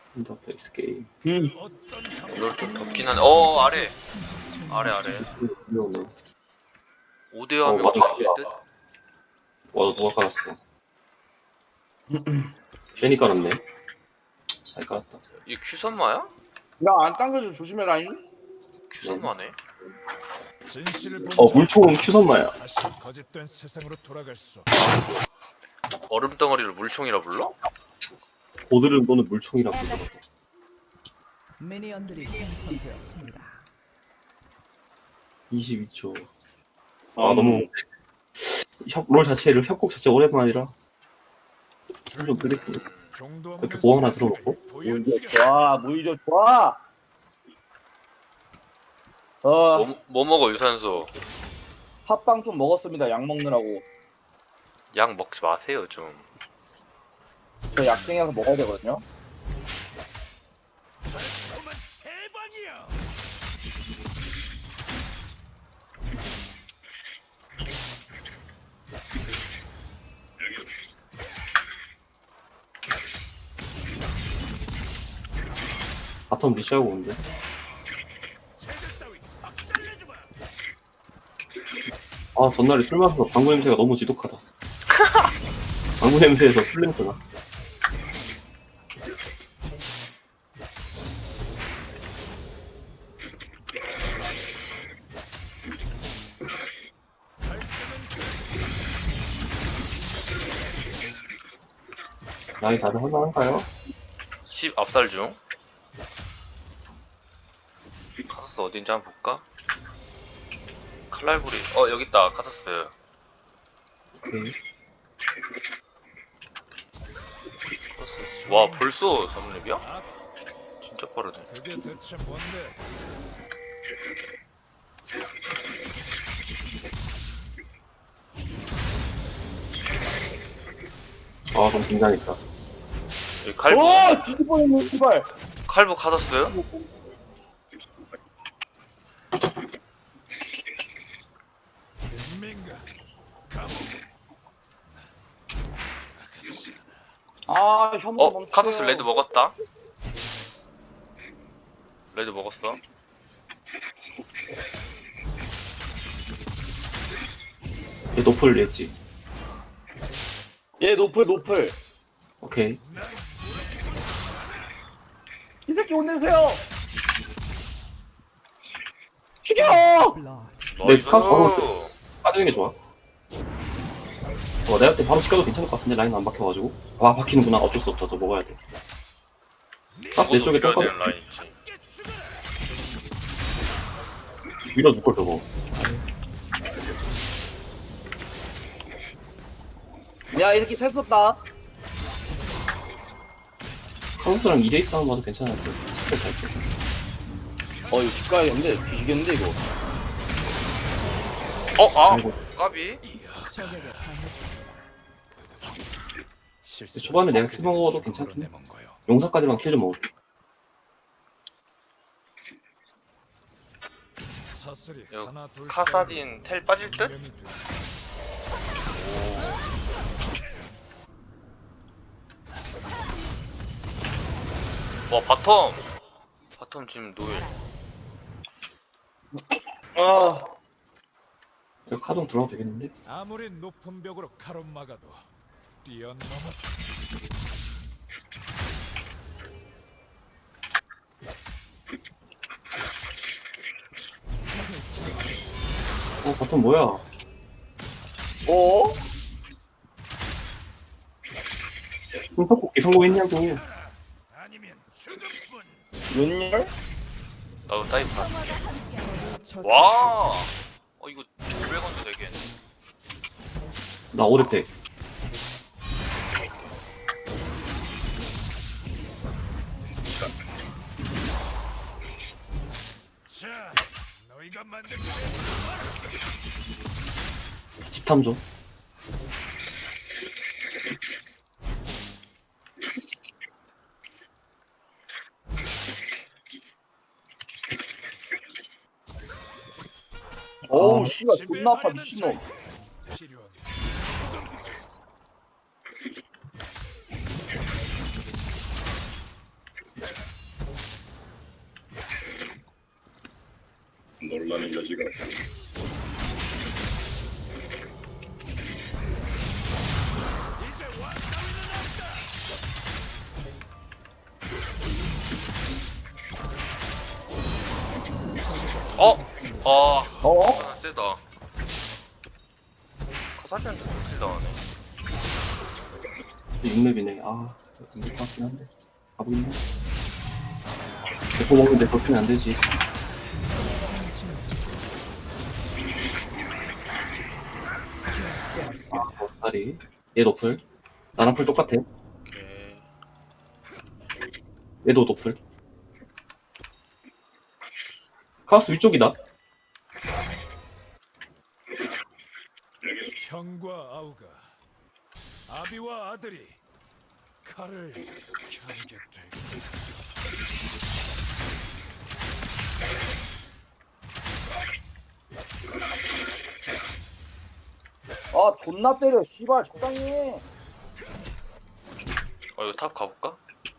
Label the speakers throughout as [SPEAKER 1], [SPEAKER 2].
[SPEAKER 1] 인터페이스 게임.
[SPEAKER 2] 이걸 좀 덥긴 한데 아래 아래
[SPEAKER 1] 위험해.
[SPEAKER 2] 5대 하면
[SPEAKER 1] 맞아.
[SPEAKER 2] 이길 듯?
[SPEAKER 1] 와, 누가 깔았어? 괜히 깔았네. 잘 깔았다.
[SPEAKER 2] 이 큐선마야?
[SPEAKER 3] 야, 안 당겨줘. 조심해라잉.
[SPEAKER 2] 큐선마네?
[SPEAKER 1] 물총은 큐선마야.
[SPEAKER 4] 다시 거짓된 세상으로 돌아갈 수
[SPEAKER 2] 얼음덩어리를 물총이라 불러?
[SPEAKER 1] 보드를 또는 물총이라고 부르더라고.
[SPEAKER 5] 미니언들이 생성되었습니다.
[SPEAKER 1] 22초. 너무 롤 자체를 협곡 자체 오랜만이라 좀 그랬고. 그렇게 보호 하나 들어놓고.
[SPEAKER 3] 좋아, 무이죠, 좋아.
[SPEAKER 2] 뭐 먹어 유산소?
[SPEAKER 3] 팥빵 좀 먹었습니다. 약 먹느라고.
[SPEAKER 2] 약 먹지 마세요 좀.
[SPEAKER 3] 저 약쟁이라서 먹어야 되거든요.
[SPEAKER 1] 바텀 리시하고 오는데. 전날에 술 마셔서 방구 냄새가 너무 지독하다. 방구 냄새에서 술 냄새가. 나이 다들 할만한가요?
[SPEAKER 2] 10 압살 중. 카서스 어딘지 한번 볼까? 칼날부리 여기 있다 카서스.
[SPEAKER 1] 오케이.
[SPEAKER 2] 와 벌써 3렙이야? 진짜 빠르네.
[SPEAKER 4] 그게 대체 뭔데?
[SPEAKER 1] 좀 긴장했다.
[SPEAKER 2] 여기 칼부
[SPEAKER 3] 뒤집어놓는 씨발.
[SPEAKER 2] 칼부 카서스?
[SPEAKER 4] 민가
[SPEAKER 3] 혐오 멈추세요.
[SPEAKER 2] 카서스 레드 먹었다. 레드 먹었어.
[SPEAKER 1] 얘 노플 냈지.
[SPEAKER 3] 얘 노플.
[SPEAKER 1] 오케이.
[SPEAKER 3] 이 새끼 혼내세요. 죽여.
[SPEAKER 1] 네, 카서스 빠지는 게 좋아. 내가 그때 바로 치켜도 괜찮을 것 같은데 라인 안 박혀가지고. 박히는구나. 어쩔 수 없다. 너 먹어야 돼. 카서 내 쪽에
[SPEAKER 2] 밀어야
[SPEAKER 1] 똥
[SPEAKER 2] 되는 라인 있지.
[SPEAKER 1] 밀어줄 걸 저거.
[SPEAKER 3] 야, 이 새끼 셋 썼다.
[SPEAKER 1] 카서스랑 2대2 싸움 봐도 괜찮을 듯. 스펠 잘 써.
[SPEAKER 3] 이거 집 가야겠는데. 뒤지겠는데 이거.
[SPEAKER 1] 아이고.
[SPEAKER 2] 까비.
[SPEAKER 5] 적에게 당했습니다.
[SPEAKER 1] 초반에 내가 킬 먹어도 괜찮긴 해. 용사까지만 킬 좀 먹을게.
[SPEAKER 4] 사슬이
[SPEAKER 2] 요
[SPEAKER 4] 하나 둘
[SPEAKER 2] 카사딘 텔 빠질 듯? 와 바텀 지금 노일.
[SPEAKER 1] 여기 카정 들어가도 되겠는데?
[SPEAKER 4] 아무리 높은 벽으로 가로막아도 뛰어넘어
[SPEAKER 1] 바텀 뭐야? 흥석볶이 성공했냐고.
[SPEAKER 4] 아니면 죽음뿐.
[SPEAKER 3] 윤열?
[SPEAKER 2] 나도 다이브 봤어.
[SPEAKER 5] 적을
[SPEAKER 2] 와. 이거 드래곤도 되게.
[SPEAKER 1] 나 오래돼.
[SPEAKER 4] 자, 너희가 만든
[SPEAKER 1] 집탐 좀.
[SPEAKER 3] 어우 씨발 존나 아파 미친놈.
[SPEAKER 4] 필요한
[SPEAKER 2] 어? 아,
[SPEAKER 3] 어?
[SPEAKER 2] 세다. 카사딘한테 독킬 당하네.
[SPEAKER 1] 6렙이네. 아, 안될 것 같긴 한데. 가보겠네. 대포 먹는데 더 쓰면 안 되지. 아, 다리. 얘 노플. 나랑 풀 똑같아.
[SPEAKER 2] 오케이.
[SPEAKER 1] 얘도 노플. 카우스 위쪽이다.
[SPEAKER 4] 형과 아우가 아비와 아들이 칼을 겨루게 될 거다.
[SPEAKER 3] 아 존나 때려 씨발 적당히 해.
[SPEAKER 2] 이거 탑 가볼까?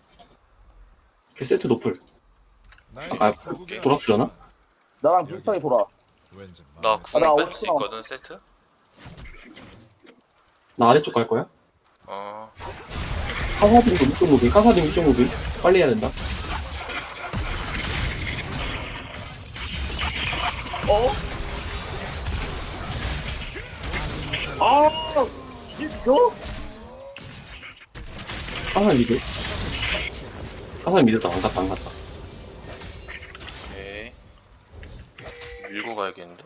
[SPEAKER 1] 걔 세트 노플.
[SPEAKER 4] 나의
[SPEAKER 1] 아,
[SPEAKER 4] 조국의
[SPEAKER 1] 돌았으려나?
[SPEAKER 3] 나랑 비슷하게 돌아.
[SPEAKER 4] 왠지
[SPEAKER 2] 나
[SPEAKER 4] 마음에
[SPEAKER 2] 궁
[SPEAKER 3] 나
[SPEAKER 2] 뺄 수
[SPEAKER 3] 50%.
[SPEAKER 2] 있거든, 세트?
[SPEAKER 1] 나 아래쪽 갈 거야?
[SPEAKER 2] 어.
[SPEAKER 1] 카사딘도 위쪽 무빙. 카사딘 위쪽 무빙. 빨리 해야 된다.
[SPEAKER 3] 어? 아 이거?
[SPEAKER 1] 카사딘 미드. 카사딘 미드다. 안 갔다, 안 갔다.
[SPEAKER 2] 오케이. 밀고 가야겠는데?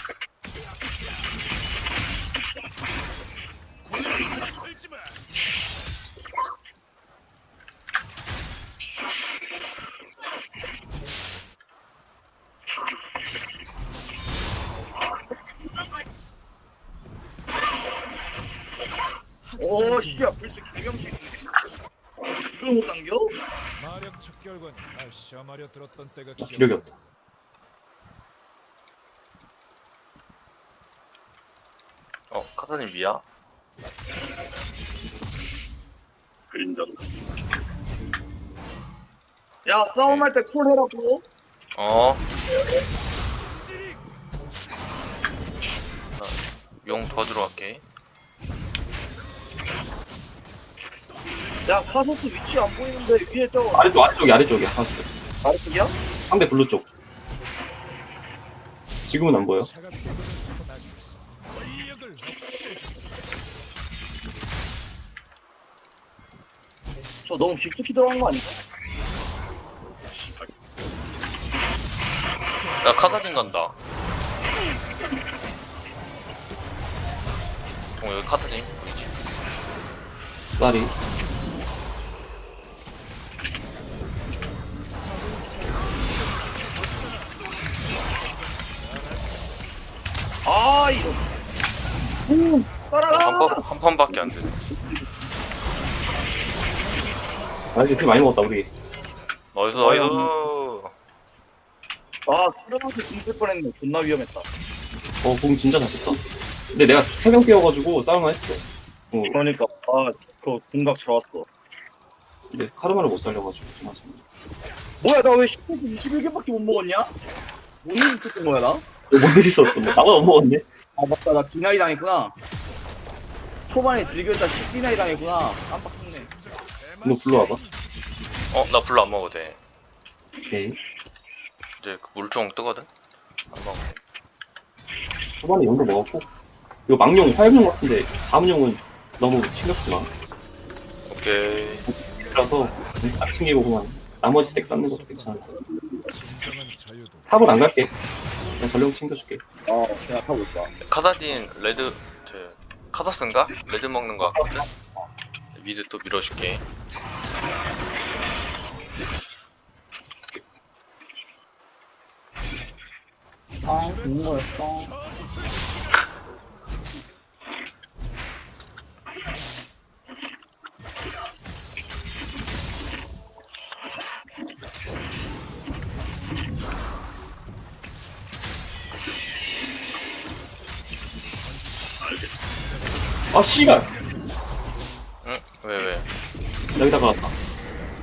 [SPEAKER 3] 오 씨야 벌써 개명식. 이걸 못 당겨?
[SPEAKER 4] 마력 척결관이 날 시험하려 들었던 때가
[SPEAKER 1] 기력이 없다.
[SPEAKER 2] 카사딘 미야?
[SPEAKER 3] 야 싸움할 때 콜 해라고.
[SPEAKER 2] 용 도와주러 갈게.
[SPEAKER 3] 야 카소스 위치 안 보이는데 위에 저
[SPEAKER 1] 아래쪽이야, 카우스.
[SPEAKER 3] 아래쪽이야?
[SPEAKER 1] 상대 블루 쪽. 지금은 안 보여.
[SPEAKER 4] 차갑게 그는 소나기에서 권력을 없애주지.
[SPEAKER 3] 저 너무 깊숙이 들어간 거 아닌가?
[SPEAKER 2] 나 카사딘 간다. 여기 카사딘.
[SPEAKER 1] 나리.
[SPEAKER 3] 아 이거. 따라가.
[SPEAKER 2] 한 판밖에 안 되네.
[SPEAKER 1] 아, 이제 피 많이 먹었다, 우리.
[SPEAKER 2] 나이스, 나이스.
[SPEAKER 3] 아 수련한테 궁쓸 뻔했네. 존나 위험했다.
[SPEAKER 1] 공 진짜 잘 쳤다. 근데 내가 3명 깨워가지고 싸움을 했어.
[SPEAKER 3] 그러니까 아그 궁각 들어왔어.
[SPEAKER 1] 근데 카르마를 못 살려가지고 좀 하자.
[SPEAKER 3] 뭐야 나 왜 10분 21개밖에 못 먹었냐? 뭔일 있었던 거야 나?
[SPEAKER 1] 뭔일 있었던데? 나보다 못 먹었네?
[SPEAKER 3] 아 맞다 나 디나이 당했구나. 초반에 즐겼다 10디나이 당했구나. 깜빡했네.
[SPEAKER 1] 너 불러와봐.
[SPEAKER 2] 나 불러 안 먹어도 돼.
[SPEAKER 1] 오케이.
[SPEAKER 2] 이제 그 물총 뜨거든? 안 먹어.
[SPEAKER 1] 초반에 용도 먹었고. 이거 망용, 화염용 같은데, 다음 용은 너무 신경 쓰지 마.
[SPEAKER 2] 오케이.
[SPEAKER 1] 그래서 아침이고 그냥 나머지 스택 쌓는 것도 괜찮을 거야.
[SPEAKER 4] 진정한 자유도
[SPEAKER 1] 탑은 안 갈게. 그냥 전령 챙겨줄게.
[SPEAKER 3] 그냥 타고 있다.
[SPEAKER 2] 카사딘 레드, 카사스인가? 레드 먹는 거 같거든? 미드 또 밀어줄게.
[SPEAKER 3] 아 좋은 거였어.
[SPEAKER 1] 아, 씨발!
[SPEAKER 2] 응? 왜?
[SPEAKER 1] 여기다가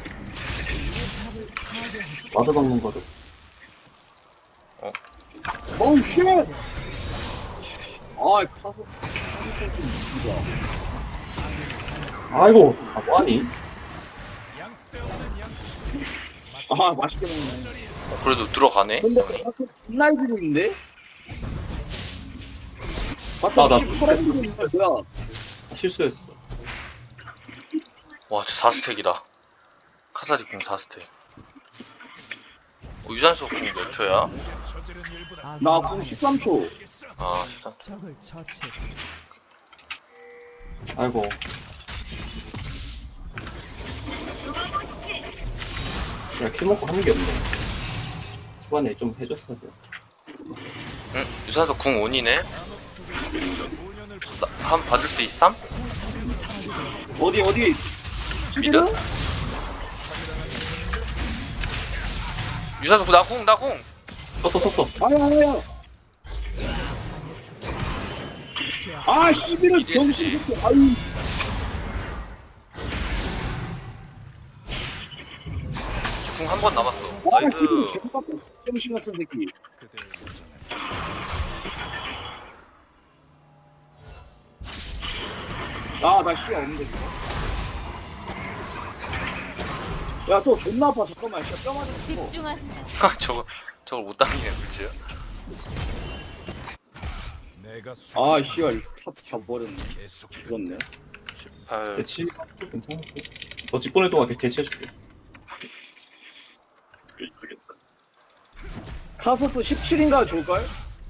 [SPEAKER 1] 와드 박는 거를.
[SPEAKER 3] 어우 쉣! 아 카소
[SPEAKER 1] 아이고, 아, 뭐하니?
[SPEAKER 3] 아 맛있게 먹네.
[SPEAKER 2] 그래도 들어가네.
[SPEAKER 3] 근데 카소 존나 이기는데?
[SPEAKER 1] 나-
[SPEAKER 3] 맞다. 털어지는 거야 뭐야?
[SPEAKER 1] 실수했어.
[SPEAKER 2] 와, 저 4스택이다. 카사디 궁 4스택. 유산소 궁 몇 초야?
[SPEAKER 4] 저지른 일보다
[SPEAKER 3] 나 그럼 13초.
[SPEAKER 2] 아, 13초.
[SPEAKER 5] 적을 처치했습니다.
[SPEAKER 1] 아이고. 그냥 킬 먹고 하는 게 없네. 초반에 좀 해줬어야 돼.
[SPEAKER 2] 응? 유산소 궁 온이네? 한 받을 수 있삼?
[SPEAKER 3] 어디
[SPEAKER 2] 미드?
[SPEAKER 3] 미드?
[SPEAKER 2] 유산소 나 궁, 나 궁!
[SPEAKER 1] 썼어.
[SPEAKER 3] 아야. 아 씨비를
[SPEAKER 2] EDSG.
[SPEAKER 3] 병신 새끼. 아이.
[SPEAKER 2] 궁 한 번 남았어.
[SPEAKER 3] 아
[SPEAKER 2] 나이스.
[SPEAKER 3] 씨비 개빡 병신 같은 새끼.
[SPEAKER 4] 그대의 여정에
[SPEAKER 3] 나 씨 없는데 지금. 야, 저 존나 아파. 잠깐만. 진짜 뼈 맞은 거.
[SPEAKER 5] 집중하세요.
[SPEAKER 2] 저걸 못 당기네, 그치?
[SPEAKER 4] 내가
[SPEAKER 3] 아, 씨발. 탑 잡버렸네.
[SPEAKER 4] 계속
[SPEAKER 3] 죽었네.
[SPEAKER 2] 8.
[SPEAKER 1] 대치 괜찮았어. 너 직보낼 동안 대치해줄게.
[SPEAKER 3] 카서스 17인가 줄걸?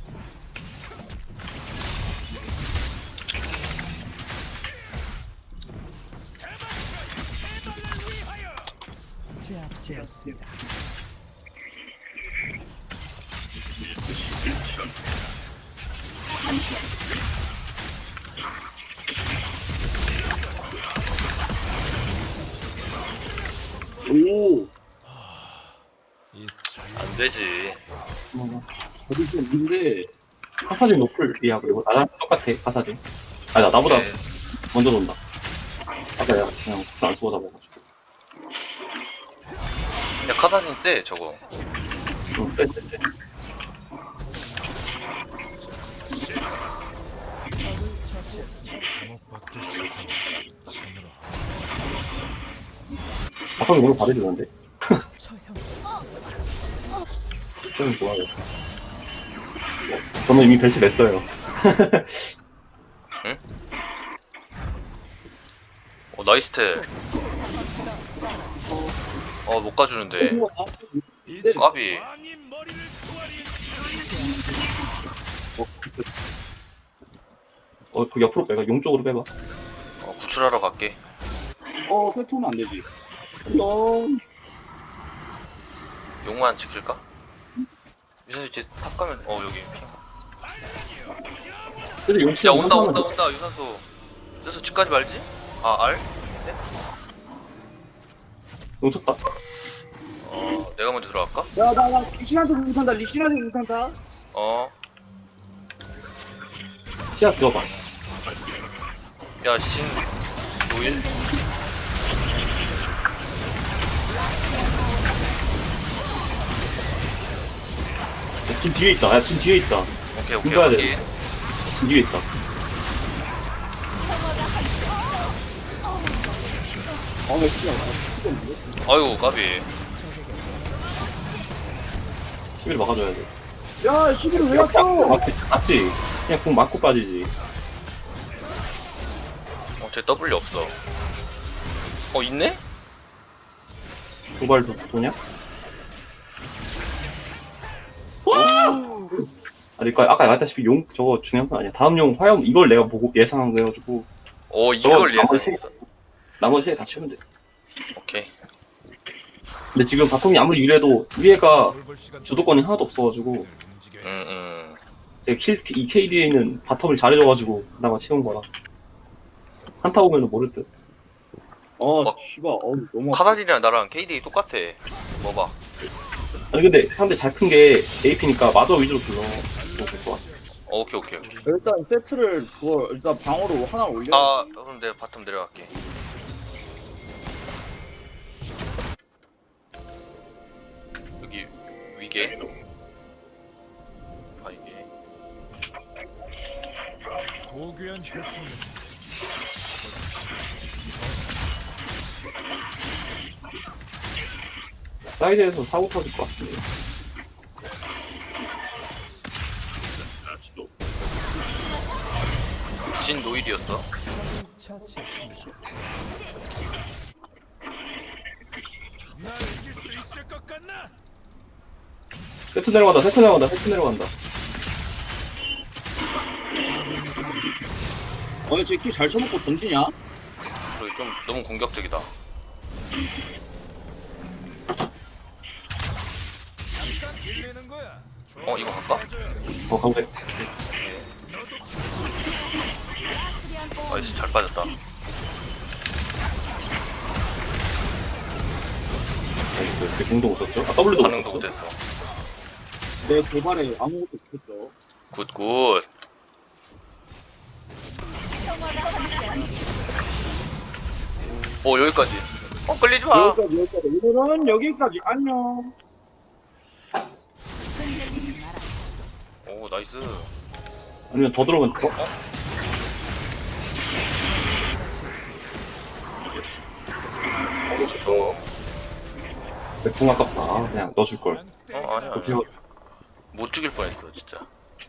[SPEAKER 5] 제압되었습니다.
[SPEAKER 3] 오.
[SPEAKER 2] 안 되지.
[SPEAKER 3] 어디 좀 있는데.
[SPEAKER 1] 카사딘 노플이야. 그리고 나랑 똑같아. 카사딘. 아니 나보다
[SPEAKER 2] 네.
[SPEAKER 1] 먼저 논다. 아까 내가 그냥 안 쓰고 잡아가지고.
[SPEAKER 2] 야, 카사딘 쎄, 저거.
[SPEAKER 1] 응, 빼.
[SPEAKER 5] 적을 처치했습니다.
[SPEAKER 4] 주목받고 싶어서 손으로
[SPEAKER 1] 아까 오늘 받아주는데.
[SPEAKER 5] 처형했습니다.
[SPEAKER 1] 저는 좋아요. 저는 이미 벨트 냈어요.
[SPEAKER 2] 나이스테. 못 가주는데.
[SPEAKER 4] 이제
[SPEAKER 2] 까비.
[SPEAKER 4] 왕인 머리를 구하리.
[SPEAKER 1] 그 옆으로 빼봐. 용 쪽으로 빼봐.
[SPEAKER 2] 구출하러 갈게.
[SPEAKER 3] 세트면 안 되지. 어.
[SPEAKER 2] 용만 지킬까? 유산소 이제 탑 가면, 여기.
[SPEAKER 1] 근데 용
[SPEAKER 2] 야,
[SPEAKER 1] 치면
[SPEAKER 2] 온다, 유산소. 유산소 집까지 말지? 알?
[SPEAKER 1] 용 쳤다.
[SPEAKER 2] 내가 먼저 들어갈까?
[SPEAKER 3] 야, 나 리신한테 못한다. 리신한테 못한다.
[SPEAKER 1] 시야 들어봐.
[SPEAKER 2] 야, 신, 노일?
[SPEAKER 1] 진 뒤에 있다. 야, 진 뒤에 있다.
[SPEAKER 2] 오케이,
[SPEAKER 1] 준비해야 돼.
[SPEAKER 2] 오케이.
[SPEAKER 1] 진 뒤에 있다.
[SPEAKER 3] 나 씨발.
[SPEAKER 2] 아이고, 까비.
[SPEAKER 1] 시비를 막아줘야 돼.
[SPEAKER 3] 야, 시비를 왜 왔어?
[SPEAKER 1] 맞지? 그냥 궁 맞고 빠지지.
[SPEAKER 2] 쟤 W 없어. 있네?
[SPEAKER 1] 도발 도냐? 아니, 아까 말했다시피 용 저거 중요한 건 아니야. 다음 용 화염 이걸 내가 보고 예상한 거여가지고
[SPEAKER 2] 이걸
[SPEAKER 1] 나머지
[SPEAKER 2] 예상했어.
[SPEAKER 1] 나머지 세 다 치면 돼.
[SPEAKER 2] 오케이.
[SPEAKER 1] 근데 지금 바텀이 아무리 이래도 위에가
[SPEAKER 4] 돌볼 시간
[SPEAKER 1] 주도권이 하나도 없어가지고
[SPEAKER 2] 응.
[SPEAKER 1] 이 KDA는 바텀을 잘해줘가지고 나가 채운 거라. 한타 오면은 모를 듯.
[SPEAKER 3] 씨발. 너무.
[SPEAKER 2] 카사딘이랑 나랑 KD 똑같아. 봐.
[SPEAKER 1] 아니 근데 상대 잘 큰 게 AP니까 마저 위주로 불러. 될것 같아.
[SPEAKER 2] 오케이.
[SPEAKER 3] 일단 세트를 일단 방어로 하나 올려.
[SPEAKER 2] 그럼 내가 바텀 내려갈게. 여기 위계. 이게
[SPEAKER 4] 위대한 혈통을
[SPEAKER 1] 사이드에서 사고 터질 것 같은데.
[SPEAKER 2] 진 노일이었어.
[SPEAKER 5] 적을 처치했습니다.
[SPEAKER 4] 날 이길 수 있을 것 같나?
[SPEAKER 1] 세트 내려간다, 세트 내려간다, 세트 내려간다.
[SPEAKER 3] 쟤키잘 쳐먹고 던지냐?
[SPEAKER 2] 그리고 좀 너무 공격적이다.
[SPEAKER 4] 잠깐 밀리는 거야.
[SPEAKER 2] 이거 갈까?
[SPEAKER 1] 가운데.
[SPEAKER 2] 아이씨 잘 빠졌다.
[SPEAKER 1] 나이스. 그 공도 못 썼죠? 아, W도 못
[SPEAKER 2] 반응도
[SPEAKER 1] 썼죠?
[SPEAKER 2] 못했어.
[SPEAKER 3] 내 도발에 아무것도 못했어.
[SPEAKER 2] 굿굿. 여기까지. 끌리지 마.
[SPEAKER 3] 여기까지. 오늘은 여기까지. 안녕.
[SPEAKER 2] 오 나이스.
[SPEAKER 1] 아니면 더 들어가면 더? 궁 아깝다. 그냥 넣어줄 걸.
[SPEAKER 2] 아니야.
[SPEAKER 1] 어떻게
[SPEAKER 2] 못 죽일 뻔했어 진짜.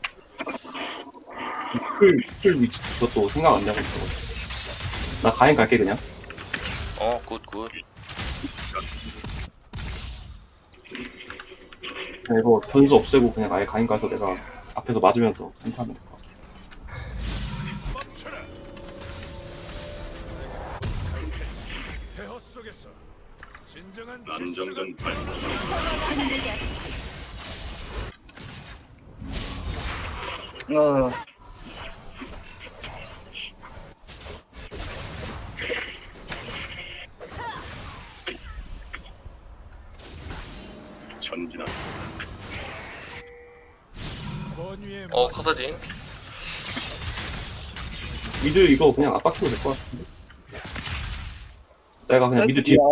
[SPEAKER 1] 풀 위치 그것도 생각 안 나고 있어. 나 가행 갈게 그냥.
[SPEAKER 2] 굿굿.
[SPEAKER 1] 그냥 이거 변수 없애고 그냥 아예 가행 가서 내가 앞에서 맞으면서 한타하면 될 것 같아.
[SPEAKER 4] 멈춰라. 폐허 속에서 진정한 난정전
[SPEAKER 1] 전진한.
[SPEAKER 4] 번위의
[SPEAKER 2] 카사딘.
[SPEAKER 1] 미드 이거 그냥 압박해도 될 것 같은데. 내가 그냥 미드 뒤에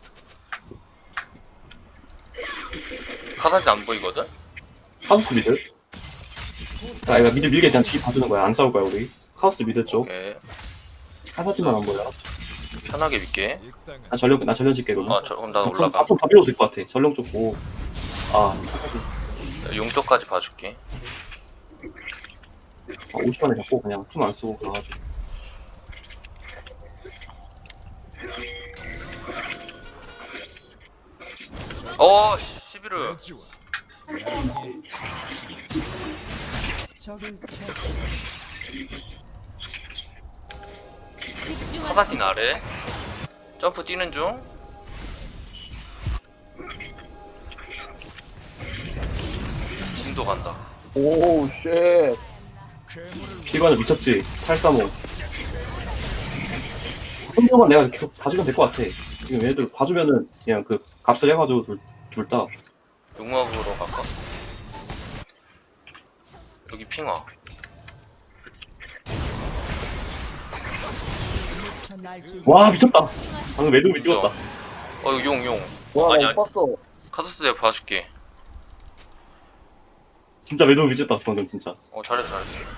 [SPEAKER 2] 카사딘 안 보이거든?
[SPEAKER 1] 하우스 미드. 자, 이거 미드 밀게 그냥 뒤 봐주는 거야. 안 싸울 거야 우리. 하우스 미드 쪽.
[SPEAKER 2] 오케이.
[SPEAKER 1] 카사딘만 안 보여.
[SPEAKER 2] 편하게 믿게.
[SPEAKER 4] 이 땅은
[SPEAKER 1] 나 전령 찍게 그러면.
[SPEAKER 2] 그럼 나 올라가.
[SPEAKER 1] 앞으로 다 밀어도 될 것 같아. 전령 쪽 보고.
[SPEAKER 2] 용쪽까지 봐줄게.
[SPEAKER 1] 50만에 잡고 그냥 숨 안 쓰고 가가지고.
[SPEAKER 2] 시비르.
[SPEAKER 4] 돼지와
[SPEAKER 5] 적을 처치했습니다.
[SPEAKER 2] 카사딘 아래. 점프 뛰는 중. 진도 간다.
[SPEAKER 3] 오, 쉣.
[SPEAKER 4] 괴물을
[SPEAKER 1] 피관을 미쳤지. 835. 혼자만 내가 계속 봐주면 될 것 같아. 지금 얘들 봐주면은 그냥 그 값을 해가지고 둘 다.
[SPEAKER 2] 용막으로 갈까? 여기 핑화.
[SPEAKER 5] 저 날뛰기
[SPEAKER 1] 와 미쳤다. 방금 매듭이 찍었다.
[SPEAKER 2] 이거 용.
[SPEAKER 3] 와,
[SPEAKER 2] 아니,
[SPEAKER 3] 나 못 봤어.
[SPEAKER 2] 카사스 내가 봐줄게.
[SPEAKER 1] 진짜 매듭이 미쳤다 방금 진짜.
[SPEAKER 2] 잘했어.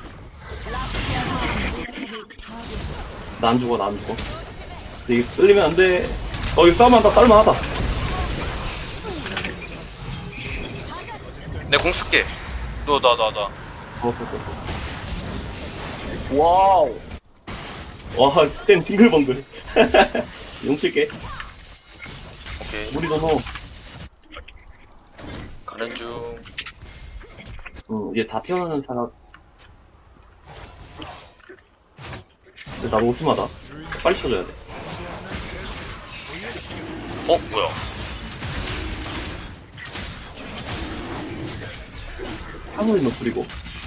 [SPEAKER 1] 나 안 죽어. 근데 이게 끌리면 안 돼. 이거 싸움한다. 쌀만하다.
[SPEAKER 2] 내 공 쓸게. 나.
[SPEAKER 3] 와우.
[SPEAKER 1] 와 스탠 팅글벙글. 용 칠게.
[SPEAKER 2] 오케이.
[SPEAKER 1] 우리 너무
[SPEAKER 2] 가는 중.
[SPEAKER 1] 이제 다 태어나는 사람. 근데 나 너무 심하다. 빨리 쳐줘야 돼.
[SPEAKER 2] 뭐야?
[SPEAKER 1] 하늘이 높으리고.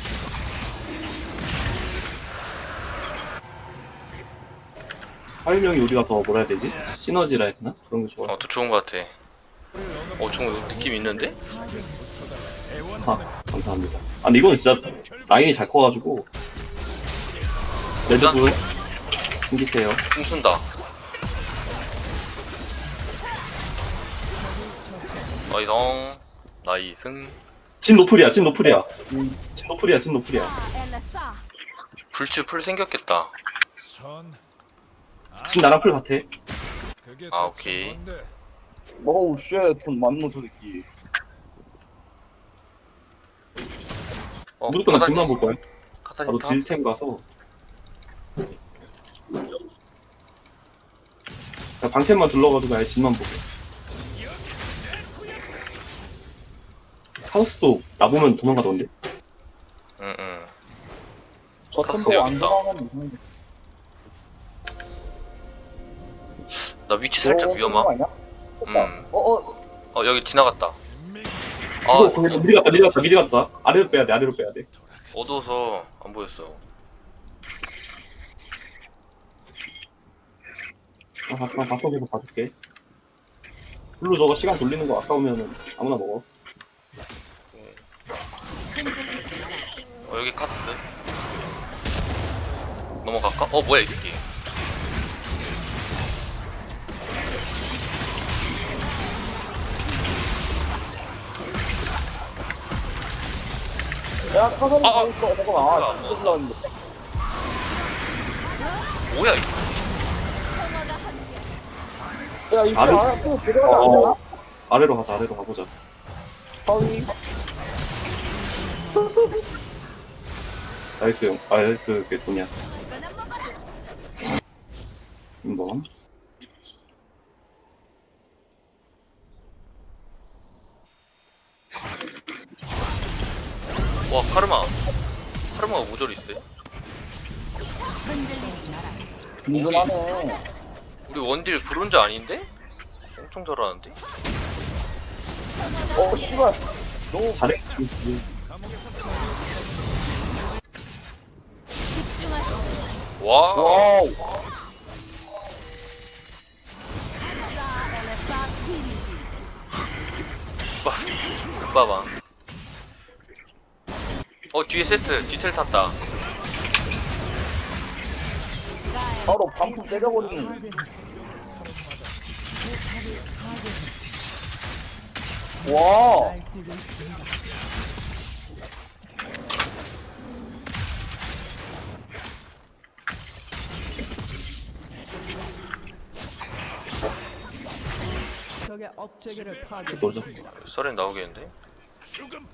[SPEAKER 1] 활명이 우리가 더 뭐라 해야 되지? 시너지라 해야 되나? 그런 게 좋아.
[SPEAKER 2] 더 좋은 것 같아. 좀 느낌 있는데?
[SPEAKER 1] 감사합니다. 근데 이거는 진짜 라인이 잘 커가지고 레드불 숨기세요.
[SPEAKER 2] 공 쏜다. 나이승.
[SPEAKER 1] 진 노플이야. 진 노플이야.
[SPEAKER 2] 불치 풀 생겼겠다.
[SPEAKER 4] 선.
[SPEAKER 1] 지금 나랑 풀 같아.
[SPEAKER 4] 그게
[SPEAKER 2] 아,
[SPEAKER 4] 대체
[SPEAKER 2] 오케이.
[SPEAKER 4] 뭔데?
[SPEAKER 3] 어우 쉣, 돈 많노 저 새끼.
[SPEAKER 1] 무조건 나 집만 볼 거야.
[SPEAKER 2] 카사딘
[SPEAKER 1] 바로
[SPEAKER 2] 탑?
[SPEAKER 1] 딜템 가서. 나 방템만 둘러가지고 아예 집만 보게. 카우스도 나보면 도망가던데.
[SPEAKER 2] 응응.
[SPEAKER 3] 저
[SPEAKER 2] 카스
[SPEAKER 3] 템포
[SPEAKER 2] 여기
[SPEAKER 3] 안
[SPEAKER 2] 있다.
[SPEAKER 3] 들어가면
[SPEAKER 2] 나 위치 살짝 위험함. 여기 지나갔다.
[SPEAKER 4] 인맥이
[SPEAKER 2] 아,
[SPEAKER 1] 이거 미리 갔다. 아래로 빼야 돼. 아래로 빼야 돼.
[SPEAKER 2] 어두워서 안 보였어.
[SPEAKER 1] 바꿔서 봐줄게. 블루 저거 시간 돌리는 거 아까우면은 아무나 먹어.
[SPEAKER 2] 여기 카사스. 넘어갈까? 뭐야 이 새끼.
[SPEAKER 3] 야 카사딘
[SPEAKER 2] 아,
[SPEAKER 3] 가고 있어. 잠깐만.
[SPEAKER 2] 아,
[SPEAKER 3] 아 진짜 올라왔는데.
[SPEAKER 2] 뭐야 이거.
[SPEAKER 3] 야 이거
[SPEAKER 1] 아래-
[SPEAKER 3] 안에 또 들어가지 않나?
[SPEAKER 1] 아래로 가자. 아래로 가보자.
[SPEAKER 3] 서위.
[SPEAKER 1] 나이스 형. 아 나이스 그게 뭐냐. 뭐?
[SPEAKER 2] 와 카르마가 모조리 있어.
[SPEAKER 3] 든든하네.
[SPEAKER 2] 우리 원딜 브론즈 아닌데? 엄청 잘하는데?
[SPEAKER 3] 씨발. 너무
[SPEAKER 1] 잘해.
[SPEAKER 2] 와.
[SPEAKER 3] 와우.
[SPEAKER 2] 금바방. 뒤에 세트 뒤텔 탔다.
[SPEAKER 3] 바로 방풍 때려버리는.
[SPEAKER 5] 파괴했습니다.
[SPEAKER 3] 와.
[SPEAKER 5] 날뛰고 있습니다. 적의 업체계를 파괴했습니다.
[SPEAKER 2] 썰엔 나오겠는데?
[SPEAKER 4] 죽음.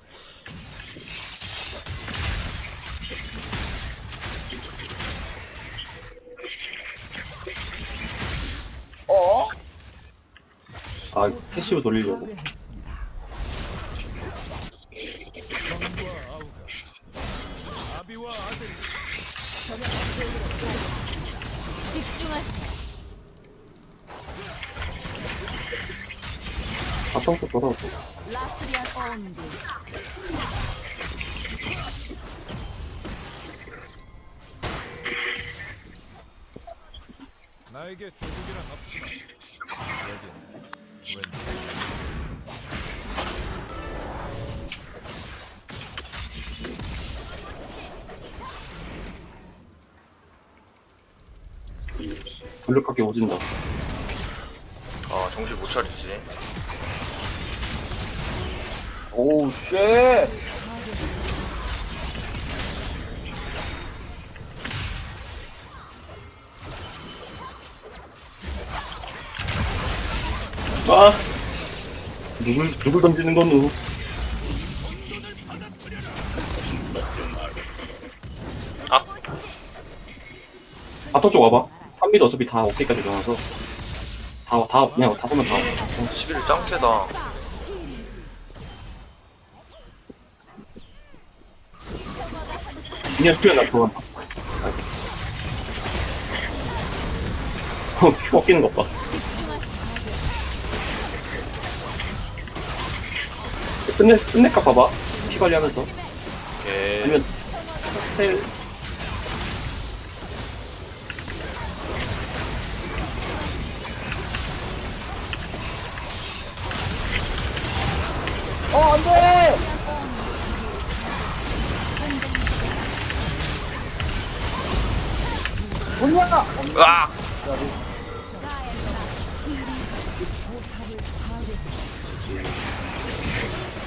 [SPEAKER 3] 어?
[SPEAKER 1] 아 캐시브 돌리려고.
[SPEAKER 5] 파괴했습니다.
[SPEAKER 4] 성과 아우가. 아비와 아들이
[SPEAKER 1] 아까부터 돌아오고.
[SPEAKER 4] 나에게 조국이란 없지만 여긴 왠지
[SPEAKER 1] 돌려깎기 오진다.
[SPEAKER 2] 정신 못 차리지.
[SPEAKER 3] 오우 쉣.
[SPEAKER 1] 아 누굴 던지는 거누?
[SPEAKER 2] 아.
[SPEAKER 1] 바터 쪽 와봐. 3미도 어차피 다 오케이까지 일어나서 그냥 다 보면 다.
[SPEAKER 2] 11일 짱 세다.
[SPEAKER 1] 그냥 수연 나 들어간다. 큐 꺾이는 것 봐. 끝낼까 봐봐. 피 관리하면서.
[SPEAKER 2] 오케이.
[SPEAKER 1] 아니면 텔
[SPEAKER 3] 안돼. 뭐냐?
[SPEAKER 2] 으악!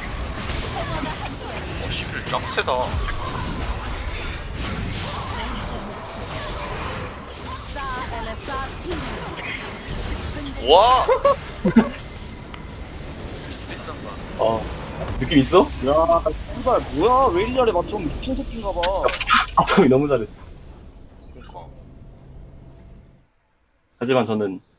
[SPEAKER 2] 11일 짱 세다. 와! 비싼 거.
[SPEAKER 1] 느낌 있어?
[SPEAKER 3] 야, 씨발 뭐야? 왜 이리 잘해? 맞좀 미친 새끼인가 봐.
[SPEAKER 1] 아tom이 너무 잘해.
[SPEAKER 2] 그니까.
[SPEAKER 1] 하지만 저는